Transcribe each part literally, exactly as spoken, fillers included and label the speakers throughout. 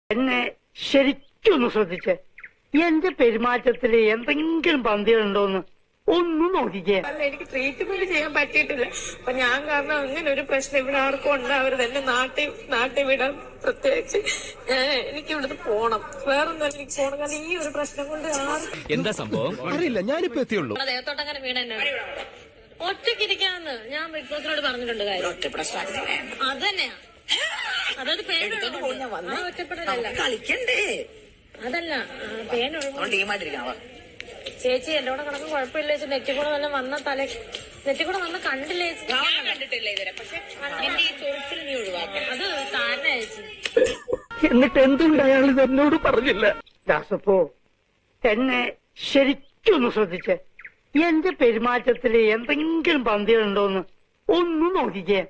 Speaker 1: എന്നെ ശരിക്കൊന്ന് ശ്രദ്ധിച്ചേ. എന്റെ പെരുമാറ്റത്തില് എന്തെങ്കിലും പന്തികളുണ്ടോന്ന് ഒന്നും നോക്കിക്കേ.
Speaker 2: അല്ല, എനിക്ക് ട്രീറ്റ്മെന്റ് ചെയ്യാൻ പറ്റിയിട്ടില്ല. അപ്പൊ ഞാൻ കാരണം അങ്ങനെ ഒരു പ്രശ്നം ഇവിടെ ആർക്കും ഉണ്ടാവരുത്. എന്നെ നാട്ടിൽ നാട്ടിൽ വിടാൻ പ്രത്യേകിച്ച് ഞാൻ എനിക്ക് ഇവിടുന്ന് പോണം. വേറൊന്നും എനിക്ക് പോണം. കാരണം ഈ ഒരു പ്രശ്നം കൊണ്ട് ആർക്കും
Speaker 3: എന്താ സംഭവം അറിയില്ല. ഞാനിപ്പോ എത്തിയുള്ളൂ.
Speaker 2: ദേവത്തോട്ട് അങ്ങനെ വീട് തന്നെ ഒറ്റയ്ക്കിരിക്കാന്ന് ഞാൻ ബിഗ് ബോസിനോട് പറഞ്ഞിട്ടുണ്ട്. കാര്യം ഒറ്റ പ്രശ്നം അത് തന്നെയാ. അതൊരു പേര് ഒറ്റപ്പെടലല്ല, കളിക്കണ്ടേ. അതല്ല പേനൊഴുകും. ചേച്ചി എന്റെ കൂടെ കണക്ക് കുഴപ്പമില്ല ചേച്ചി. നെറ്റി കൂടെ വല്ല വന്ന തല നെറ്റി കൂടെ വന്ന കണ്ടില്ലേ കണ്ടിട്ടില്ല ഇതുവരെ. പക്ഷെ എന്റെ ഈ ചൊറിച്ചിൽ നീ ഒഴിവാക്കാം. അത് കാരണം ചേച്ചി.
Speaker 1: എന്നിട്ട് എന്തുകൊണ്ട് അയാൾ ഇത് എന്നോട് പറഞ്ഞില്ല? ദാസപ്പോ എന്നെ ശരിക്കൊന്ന് ശ്രദ്ധിച്ചേ. എന്റെ പെരുമാറ്റത്തില് എന്തെങ്കിലും പന്തികളുണ്ടോന്ന് ഒന്നും നോക്കിക്കേ.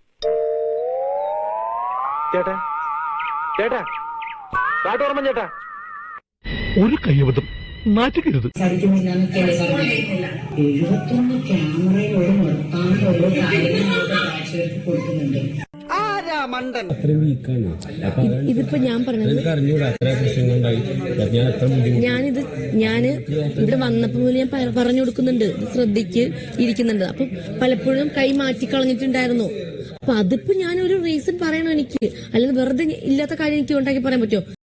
Speaker 3: ചേട്ടാ ചേട്ടാ കാട്ടോർമ്മ ചേട്ടാ,
Speaker 4: ഒരു കയ്യബദ്ധം നാറ്റുകരുത്.
Speaker 5: എഴുപത്തൊന്ന് ക്യാമറയോട് നിർത്താണ്ട് ഓരോ കാര്യങ്ങളും കാഴ്ചവെച്ച് കൊടുക്കുന്നുണ്ട്.
Speaker 6: ഇതിപ്പോ ഞാൻ പറഞ്ഞത് ഞാനിത് ഞാന് ഇവിടെ വന്നപ്പോ മുതൽ ഞാൻ പറഞ്ഞു കൊടുക്കുന്നുണ്ട്, ശ്രദ്ധിക്ക് ഇരിക്കുന്നുണ്ട്. അപ്പൊ പലപ്പോഴും കൈ മാറ്റി കളഞ്ഞിട്ടുണ്ടായിരുന്നു. അപ്പൊ അതിപ്പോ ഞാനൊരു റീസൺ പറയണോ എനിക്ക്? അല്ലെങ്കിൽ വെറുതെ ഇല്ലാത്ത കാര്യം എനിക്ക് ഉണ്ടാക്കി പറയാൻ പറ്റുമോ?